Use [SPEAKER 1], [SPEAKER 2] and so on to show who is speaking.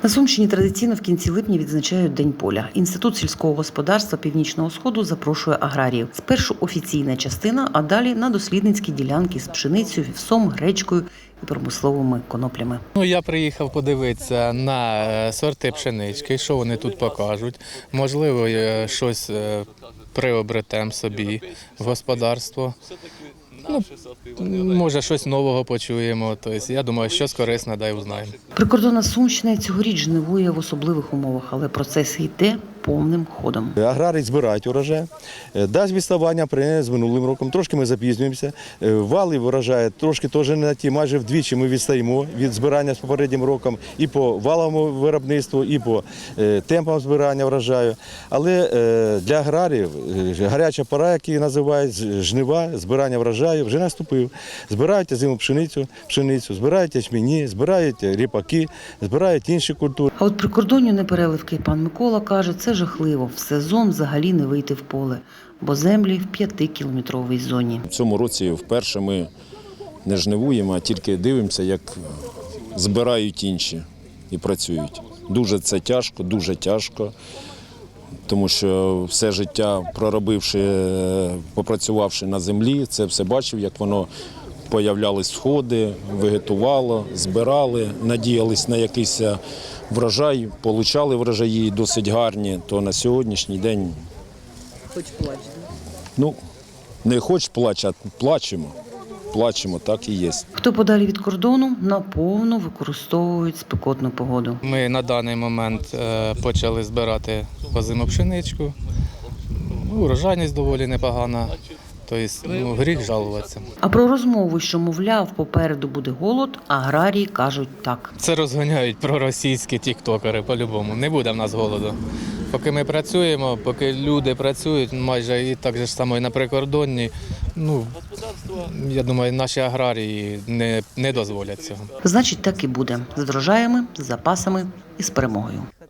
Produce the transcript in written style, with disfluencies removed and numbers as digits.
[SPEAKER 1] На Сумщині традиційно в кінці липня відзначають День поля. Інститут сільського господарства Північного Сходу запрошує аграріїв. Спершу офіційна частина, а далі на дослідницькі ділянки з пшеницею, вівсом, гречкою і промисловими коноплями.
[SPEAKER 2] Я приїхав подивитися на сорти пшенички, що вони тут покажуть. Можливо, щось приобретемо собі в господарство. Може, щось нового почуємо. Тобто, я думаю, щось корисне, дай узнаємо.
[SPEAKER 1] Прикордонна Сумщина цьогоріч жнивує в особливих умовах, але процес йде повним ходом.
[SPEAKER 3] Аграрії збирають урожай, дасть відставання порівняно з минулим роком. Трошки ми запізнюємося. Вали врожаю трошки теж не на ті. Майже вдвічі ми відстаємо від збирання з попереднім роком і по валовому виробництву, і по темпам збирання врожаю. Але для аграріїв гаряча пора, яку називають жнива, збирання врожаю, вже наступив. Збирають зиму пшеницю, збирають ячмені, збирають ріпаки, збирають інші культури.
[SPEAKER 1] А от прикордонню непереливки пан Микола каже, це жахливо. В сезон взагалі не вийти в поле, бо землі в 5-кілометровій зоні.
[SPEAKER 4] В цьому році вперше ми не жнивуємо, а тільки дивимося, як збирають інші і працюють. Дуже це тяжко, дуже тяжко, тому що все життя проробивши, попрацювавши на землі, це все бачив, як воно появлялись сходи, вегетувало, збирали, надіялись на якийсь врожай, получали врожаї досить гарні, то на сьогоднішній день…
[SPEAKER 1] Хоч плач,
[SPEAKER 4] не хоч плач, а плачемо. Плачемо, так і є.
[SPEAKER 1] Хто подалі від кордону, наповну використовують спекотну погоду.
[SPEAKER 2] Ми на даний момент почали збирати озиму пшеничку. Урожайність доволі непогана. Тобто, гріх жалуватися.
[SPEAKER 1] А про розмову, що, мовляв, попереду буде голод, аграрії кажуть так.
[SPEAKER 2] Це розганяють проросійські тіктокери по-любому. Не буде в нас голоду. Поки ми працюємо, поки люди працюють, майже і так же само і на прикордонні, я думаю, наші аграрії не дозволять цього.
[SPEAKER 1] Значить, так і буде. З врожаями, з запасами і з перемогою.